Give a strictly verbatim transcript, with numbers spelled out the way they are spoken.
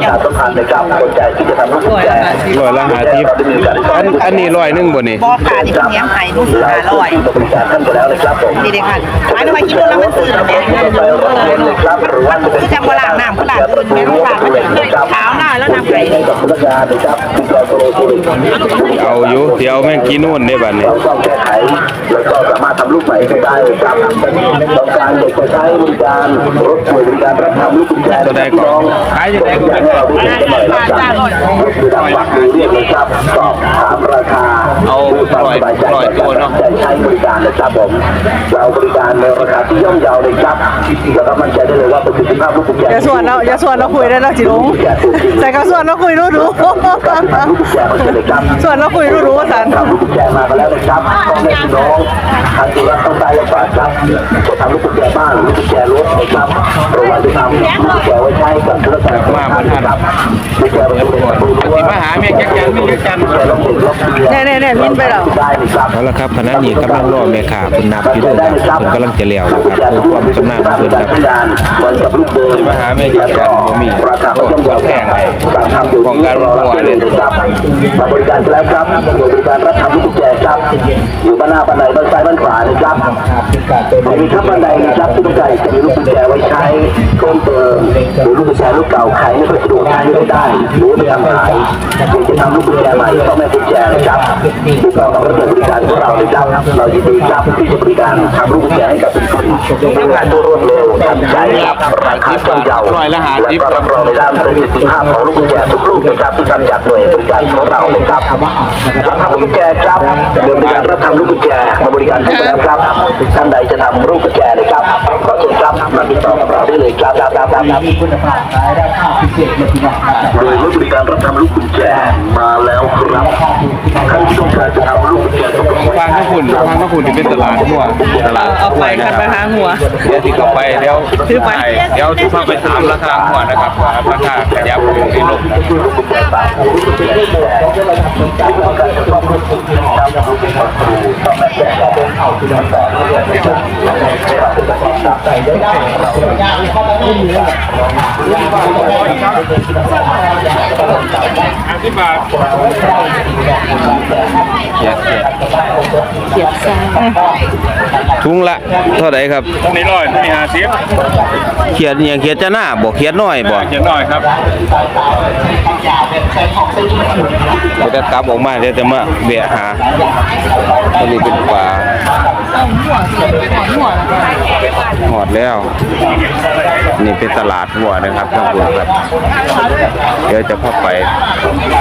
ชาสัมพันธ์นะครับสนใจที่จะทำลูกกุญแจร้อยละห้าสิบอันอันนี้ร้อยหนึ่งบ่นี่บอขาที่เป็นเนี้ยไข่นุ่มขาลอยบริการท่านไปแล้วนะครับผมนี่เลยค่ะอันนี้มากินแล้วมันตื่นเนี่ยไปรถยนต์นะครับหรือว่าจะเป็นคือจะมาล้างน้ำก็ล้างอื่นแม่ต้องล้างเท้าหน้าแล้วน้ำไข่กับพนักงานนะครับที่เราโปรโมทเอาอยู่เดี๋ยวแม่งกินนู่นได้บัดนี้เราต้องแก้ไขแล้วก็สามารถทำลูกใหม่ได้ครับต้องการเด็กจะใช้บริการรถบริการรับทำลูกกุญแจตัวใดก่อนขายยังไงก่อนให้เราได้เห็นกันหน่อยนะครับคือดังวักมือเรียกนะครับสอบถามราคาเอาร้อยร้อยตัวเนาะจะใช้บริการนะครับผมเราบริการในราคาที่ย่อมเยาเลยครับแล้วก็มั่นใจได้เลยว่าประสิทธิภาพลูกกุญแจอย่าส่วนเราอย่าส่วนเราคุยได้เราจิลุงแต่ก็ส่วนเราคุยรู้รู้ลูกกุญแจมันจะเลยครับส่วนเราคุยรู้รู้ว่าสันทำลูกกุญแจมาแล้วนะครับพ่อแม่พี่น้องทางจุฬาต้องได้ยังฝากครับจะทำลูกกุญแจบ้านลูกกุญแจรถนะครับเราว่าจะทำลูกกุญแจไว้ใช้กับธุรกิจมาประทานครับลูกกุญแจเป็นตัวตัวมาหาแม่จักจันนี่จักจันเนี่ยเนี่ยเนี่ยมินไปแล้วได้ครับเอาละครับขณะนี้กำลังรอแม่ค้าเพิ่นนับอยู่เด้อครับเพิ่นกำลังจะเลี้ยวนะครับเพื่อความชำนาญของเพิ่นครับวันกับลูกเดินมาหาแม่จักจันบ่มีราคาก็ย่อมเยาแพงการทำอยู่ที่รอเราเลยครับมาบริการแล้วครับบริการรับทำลูกกุญแจครับอยู่บ้านหน้าบ้านไหนบ้านซ้ายบ้านขวานะครับมีครับบ้านใดนะครับที่ต้องการจะมีลูกกุญแจไว้ใช้เพิ่มเติมหรือลูกกุญแจลูกเก่าขายไม่ค่อยสะดวกใช้ไม่ได้หรือไม่ทำขายอยากจะทำลูกกุญแจใหม่ต้องแม่กุญแจนะครับติดต่อกับบริการของเราเลยครับเรายินดีครับที่จะบริการทำลูกกุญแจให้กับทุกคนทำงานตัวรวดเร็วทันใจครับราคาย่อมเยาและก็รับรองในด้านประสิทธิภาพของลูกกุญแจทุกลูกนะครับที่ทำจากหน่วยบริการของเราเลยครับรับทำลูกกุญแจครับบริการรับทำลูกกุญแจมาบริการให้แล้วครับท่านใดจะทำลูกกุญแจเลยครับขอเชิญครับมาติดต่อกับเราได้เลยครับครับครับครับมีคุณภาพขายได้ค่าพิเศษเลยครับโดยบริการรับทำลูกกุญแจมาแล้วครับท่านที่ต้องการจะทำลูกกุญแจต้องฟังข้าวฝุ่นฟังข้าวฝุ่นที่เป็นตลาดหัวตลาดเอาไปกันไปหาหัวเดี๋ยวที่เข้าไปเดี๋ยวซื้อไปเดี๋ยวที่เข้าไปถามราคาหัวนะครับว่าราคาขยับขึ้นหรือลง อธิบายเขียดเขียดเขียดซ่าถุงละเท่าไหร่ครับนี่ร้อยนี่ห้าสิบเขียดอย่างเขียดจะหน้าบ่เขียดน้อยบ่เจ็ดร้อยครับมันจะกลับออกมาเดี๋ยวจะมาเบียหาอันนี้เป็นปลาหอดแล้วนี่เป็นตลาดหัวนะครับท่านผู้ชมครับเดี๋ยวจะพาไป